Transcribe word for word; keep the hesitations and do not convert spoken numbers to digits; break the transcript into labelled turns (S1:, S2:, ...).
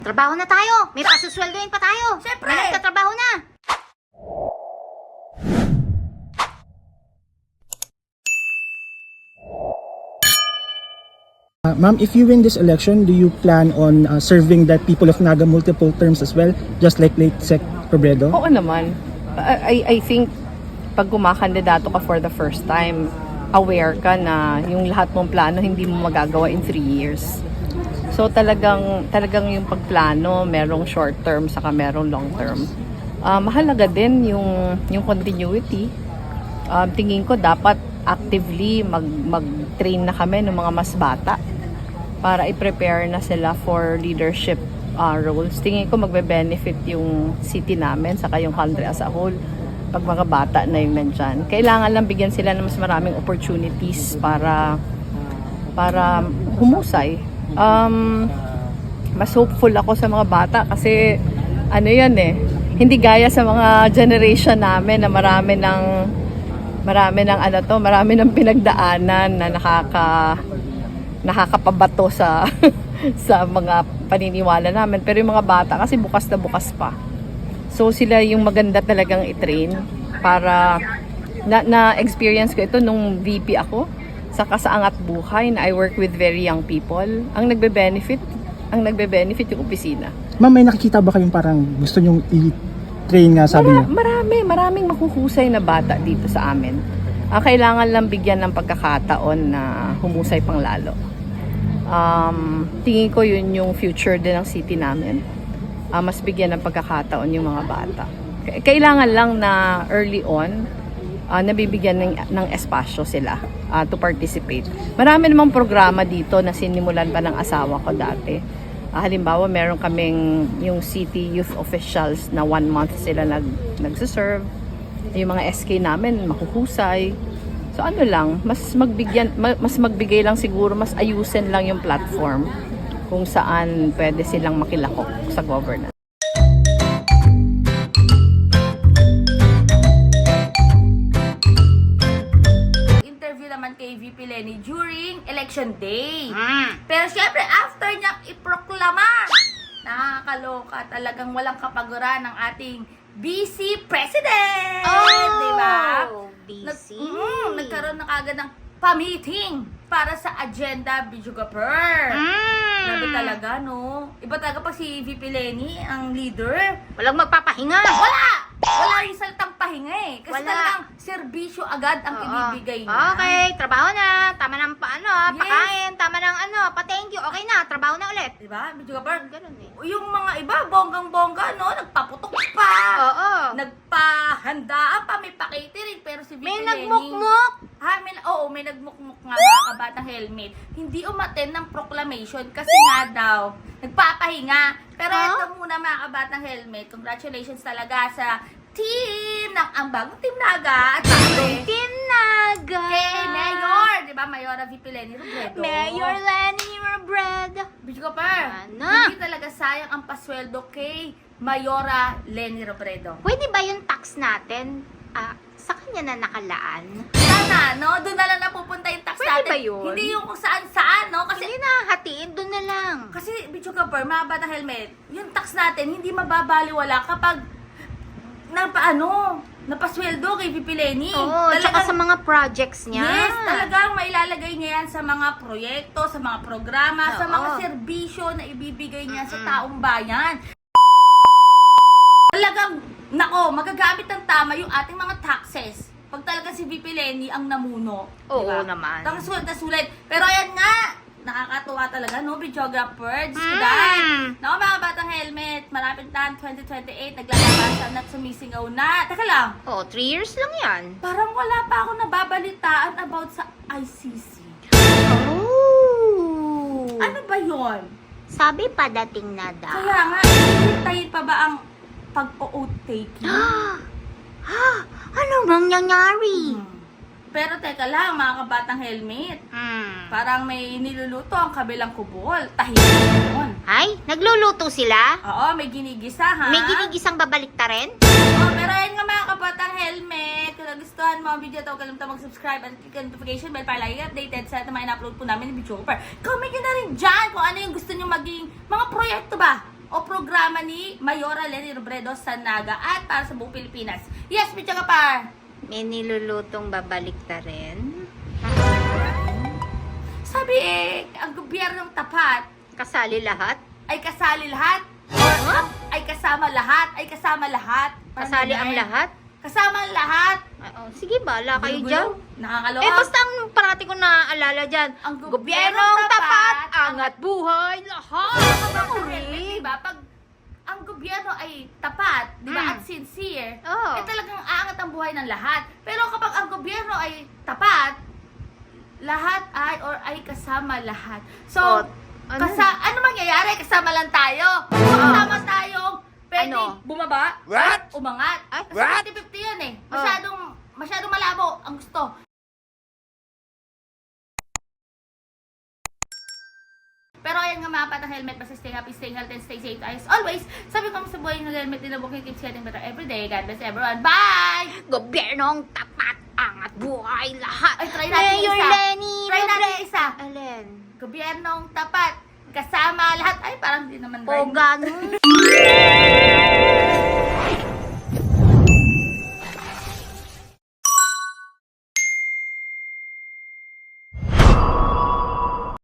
S1: Trabaho na tayo. May pasusweldoin pa tayo.
S2: Siyempre.
S1: May nagtatrabaho na.
S3: Uh, Ma'am, if you win this election, do you plan on uh, serving the people of Naga multiple terms as well, just like late Sec Robredo?
S4: Oo naman. I, I think pag kumakandidato ka for the first time, aware ka na yung lahat mong plano hindi mo magagawa in three years. So talagang talagang yung pagplano, merong short term saka merong long term. Uh, mahalaga din yung yung continuity. Um, tingin ko dapat actively mag mag-train na kami ng mga mas bata para i-prepare na sila for leadership uh, roles. Tingin ko magbe-benefit yung city namin saka yung country as a whole pag mga bata na yung nandyan. Kailangan lang bigyan sila ng mas maraming opportunities para para humusay. Um, mas hopeful ako sa mga bata kasi ano yan eh, hindi gaya sa mga generation namin na marami ng marami ng ano to, marami ng pinagdaanan na nakaka nakakapabato sa sa mga paniniwala namin. Pero yung mga bata kasi bukas na bukas pa. So sila yung maganda talagang i-train para na, na experience ko ito nung V P ako sa Kasaangat Buhay na I work with very young people. Ang nagbe-benefit, ang nagbe-benefit yung opisina.
S3: Ma'am, may nakikita ba kayong parang gusto nyong i-train nga sabi
S4: Mara,
S3: niyo?
S4: marami, maraming makuhusay na bata dito sa amin. Ang kailangan lang bigyan ng pagkakataon na humusay pang lalo. Um, tingin ko yun yung future din ng city namin. Uh, mas bigyan ng pagkakataon yung mga bata. Kailangan lang na early on, uh, nabibigyan ng, ng espasyo sila uh, to participate. Marami namang programa dito na sinimulan pa ng asawa ko dati. Uh, halimbawa, meron kaming yung city youth officials na one month sila nag, nagsiserve. Yung mga S K namin, makuhusay. So ano lang, mas magbigyan, mas magbigay lang siguro, mas ayusin lang yung platform kung saan pwede silang makilahok sa governance.
S2: Interview naman kay V P Leni during election day.
S1: Mm.
S2: Pero syempre, after niyang iproklama, nakakaloka, talagang walang kapaguran ng ating B C President!
S1: Oh,
S2: diba?
S1: B
S2: Nag,
S1: C.
S2: mm, nagkaroon na kagad ng pa-meeting para sa agenda Bijugapur.
S1: Mm.
S2: Grabe talaga, no? Iba talaga pa si V P Leni, ang leader.
S1: Walang magpapahinga.
S2: Wala! Wala yung salitang pahinga eh. Kasi
S1: Wala.
S2: talagang serbisyo agad ang
S1: Oo.
S2: ibibigay niya.
S1: Okay, trabaho na. Tama ng paano,
S2: Yes.
S1: pakain. Tama ng ano, pa-thank you. Okay na, trabaho na ulit.
S2: Diba? Bijugapur.
S1: Ganun eh.
S2: Yung mga iba, bonggang-bongga, no? Nagpaputok pa.
S1: Oo.
S2: Nagpahandaan pa, may pa-catering. Pero si V P
S1: May
S2: Leni-
S1: nagmukmuk.
S2: Ha, may, oo, may nagmukmuk nga mga kabatang helmet. Hindi umaten ng proclamation kasi nga daw, nagpapahinga. Pero
S1: Huh?
S2: ito muna mga kabatang helmet. Congratulations talaga sa team ng ang bagong Team Naga at syempre,
S1: Team Naga.
S2: kay Mayor, di ba? Mayora V P Leni Robredo.
S1: Mayor Lenny Robredo.
S2: Bitch ko pa.
S1: Ano?
S2: Hindi talaga sayang ang pasweldo kay Mayora Leni Robredo.
S1: Pwede ba yung tax natin ah, sa kanya na nakalaan?
S2: Sana, no? Doon na lang napupunta yung tax
S1: Pwede
S2: natin.
S1: ba yun?
S2: Hindi yung kung saan-saan, no? Kasi
S1: Hindi na hatiin, doon na lang.
S2: Kasi, Bicho Kapar, mga batang helmet, yung tax natin, hindi mababaliwala kapag na paano, napasweldo kay V P Leni.
S1: Oo, tsaka sa mga projects niya.
S2: Yes, talagang mailalagay niya yan sa mga proyekto, sa mga programa, sa
S1: Oo.
S2: mga serbisyo na ibibigay niya sa taong bayan. Talagang, nako, magagamit ng tama yung ating mga taxes. Pag talaga si V P Leni ang namuno.
S1: Oo
S2: diba?
S1: naman.
S2: Ang sulit na sulit. Pero ayan nga, nakakatuwa talaga, no? Videographer, Diyos ko
S1: Mm.
S2: dahil. Naku, mga batang helmet, malapit na twenty twenty-eight, naglalabasan at sumisingaw na. Teka lang,
S1: Oo, three years lang yan.
S2: parang wala pa ako nababalitaan about sa I C C.
S1: Oh.
S2: Ano ba yon?
S1: Sabi padating na daw.
S2: Kaya nga, hintayin pa ba ang pag-o-oath taking?
S1: Ha? Ano bang nangyari?
S2: Hmm. Pero teka lang, mga kabatang helmet,
S1: Hmm.
S2: parang may niluluto ang kabilang kubol. Tahimik yun.
S1: Ay, nagluluto sila?
S2: Oo, may ginigisa ha.
S1: May ginigisang babalik ta rin?
S2: Oh, pero ayun nga mga kabatang helmet. Kung nagustuhan mo ang video ito, huwag kalimutan mag-subscribe at click ang notification bell para lagi updated sa mga in-upload po namin ng video. Comment nyo na rin dyan kung ano yung gusto nyo maging mga proyekto ba o programa ni Mayora Leni Robredo sa Naga at para sa buong Pilipinas. Yes, Mitya Kapar!
S1: May nilulutong babalik ta rin.
S2: Sabi eh, ang gobyernong tapat
S1: Kasali lahat.
S2: ay kasali lahat or
S1: Huh?
S2: ay kasama lahat, ay kasama lahat. Parang
S1: Kasali
S2: ganun.
S1: ang lahat.
S2: Kasama ang lahat.
S1: Ah, oh, sige, bala kayo
S2: Gulo-gulo.
S1: dyan.
S2: Nakakaloka.
S1: Eh, basta ang parati ko naaalala dyan.
S2: Ang
S1: Gobyernong
S2: gobyernong
S1: tapat,
S2: tapat,
S1: angat buhay, lahat.
S2: Correct, diba? Pag ang gobyerno ay tapat, di ba,
S1: Mm.
S2: at sincere,
S1: Oo.
S2: eh talagang aangat ang buhay ng lahat. Pero kapag ang gobyerno ay tapat, lahat ay or ay kasama lahat. So,
S1: Oh, ano?
S2: kasa ano mangyayari? Kasama lang tayo. Kasama tayong pwede
S1: Ano?
S2: bumaba
S5: What?
S2: at umangat.
S1: Ay,
S2: Kasi
S5: What?
S2: fifty fifty yun eh.
S1: Oh.
S2: Masyadong, masyadong malabo ang gusto. Pero ayan nga mga patang helmet, basta stay happy, stay healthy, and stay safe as always. Sabi ko sa buhay ng helmet, din booking keeps getting better every day. God bless everyone. Bye!
S1: Gobyernong tapat, angat buhay, lahat.
S2: Ay, try natin
S1: Mayor
S2: isa.
S1: Lenny
S2: Try natin
S1: Robredo.
S2: isa.
S1: Alin?
S2: Gobyernong tapat, kasama lahat. Ay, parang di naman
S1: O
S2: right.
S1: ganun.